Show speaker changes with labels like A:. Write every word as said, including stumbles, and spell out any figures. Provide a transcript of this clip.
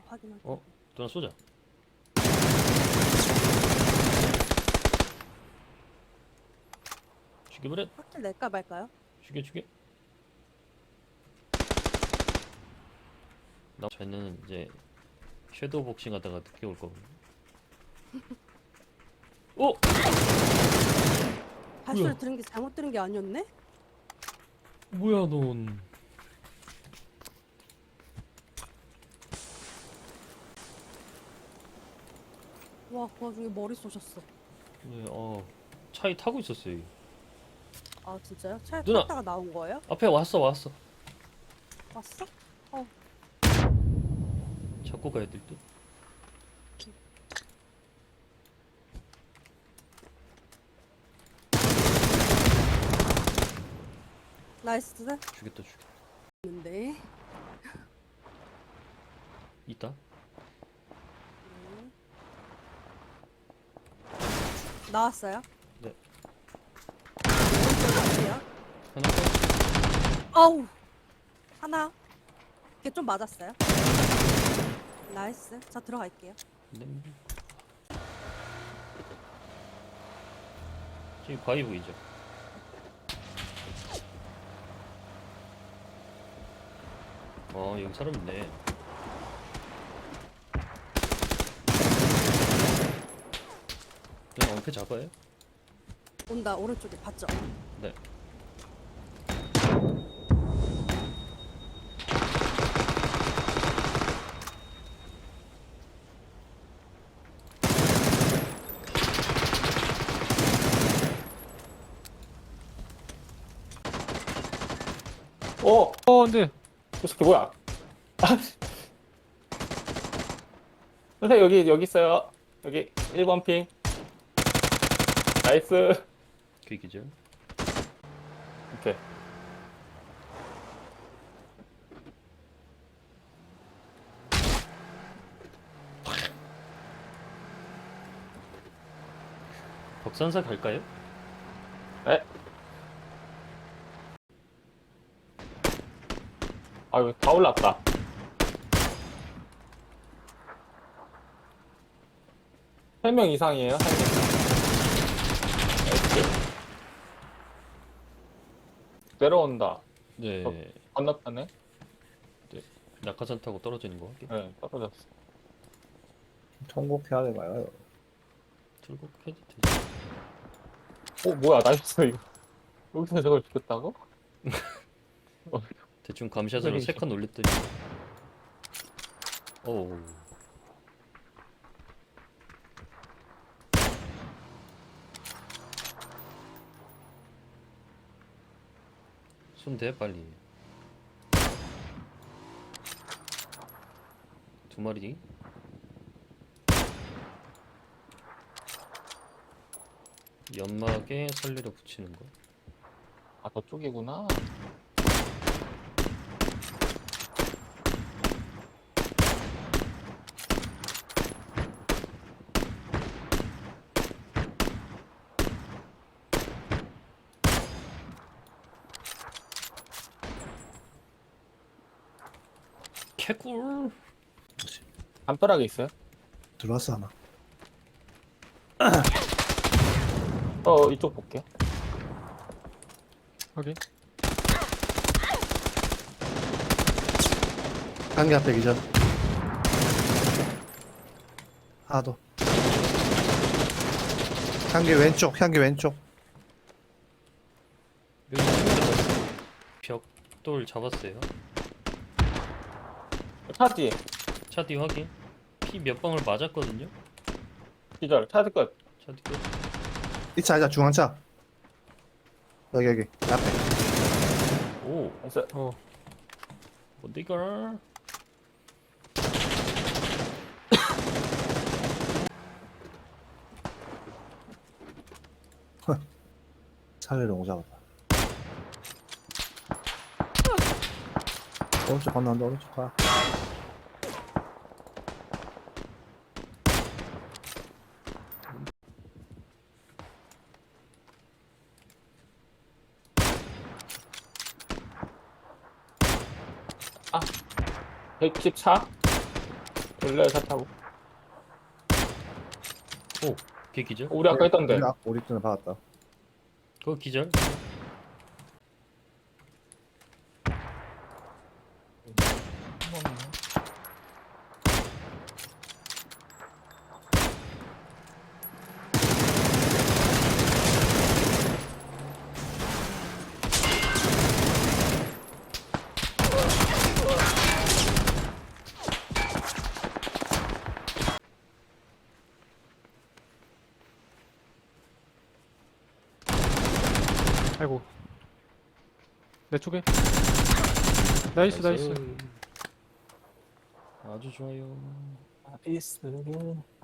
A: 확인하게.
B: 어? 누나 쏘자. 죽여버려.
A: 확실 낼까 말까요?
B: 죽여 죽여. 나 쟤는 이제 섀도우 복싱 하다가 늦게 올 거거든. 어?
A: 발소리
B: 뭐야?
A: 들은 게 잘못 들은 게 아니었네?
B: 뭐야 넌?
A: 와, 그 와중에 머리 쏘셨어.
B: 네, 어 차에 타고 있었어요. 여기.
A: 아, 진짜요? 차에
B: 누나!
A: 탔다가 나온 거예요?
B: 앞에 왔어 왔어.
A: 왔어? 어,
B: 잡고 가야 될 듯.
A: 나이스.
B: 죽였다 죽였다.
A: 근데
B: 있다.
A: 나왔어요?
B: 네.
A: 어디요?
B: 하나 더.
A: 아우, 하나. 이게 좀 맞았어요? 나이스. 자, 들어갈게요.
B: 네. 지금 바위 보이죠? 어 여기 사람 있네. 그냥 엉패 잡아요?
A: 온다. 오른쪽에 봤죠?
B: 네.
C: 어,
D: 어, 근데
C: 저 새끼 뭐야? 선생님 여기 여기 있어요. 여기 일 번 핑. 나이스.
B: 그 기절.
C: 오케이.
B: 덕산사 갈까요?
C: 네. 아유 다 올랐다. 세 명 이상이에요. 한 명. 나이스. 내려온다.
B: 네.
C: 어. 건너편에.
B: 낙하산 타고 떨어지는 거 할게.
C: 네, 떨어졌어.
D: 통곡해야 되나요?
B: 출국 해도 되지.
C: 어, 뭐야? 나이스 이거. 여기서 저걸 죽였다고?
B: 대충 감샷으로
C: 그래,
B: 세 칸 올렸더니. 어우. 손대 빨리. 두 마리. 연막에 살리려 붙이는 거.
C: 아, 저쪽이구나.
B: 개꿀.
C: 담벼락에 있어요?
D: 들어왔어 하나.
C: 어, 이쪽 볼게.
D: 확인.
E: 한개 앞에 기절. 하나 더. 향기 왼쪽, 향기 왼쪽.
B: 여기 잡았어. 벽돌 잡았어요.
C: 차 뒤에.
B: 차 뒤 확인. 피 몇 방울 맞았거든요.
C: 기절. 차드 끝.
B: 차 뒤. 끝.
E: 이 차, 이 차, 중앙차. 여기, 여기. 앞에.
B: 오.
C: 나이스.
D: 어,
B: 어디가?
E: 차를 너무 잡았다. 오른쪽 건너는데, 오른쪽 가.
C: 백십사. 돌려요 차 타고.
B: 오, 걔 기절?
C: 어, 우리 아까 했던데.
E: 우리, 아- 우리 때는 받았다.
B: 그거 기절?
D: 아이고. 내 쪽에. 나이스, 나이스.
B: 아주 좋아요.
C: 나이스.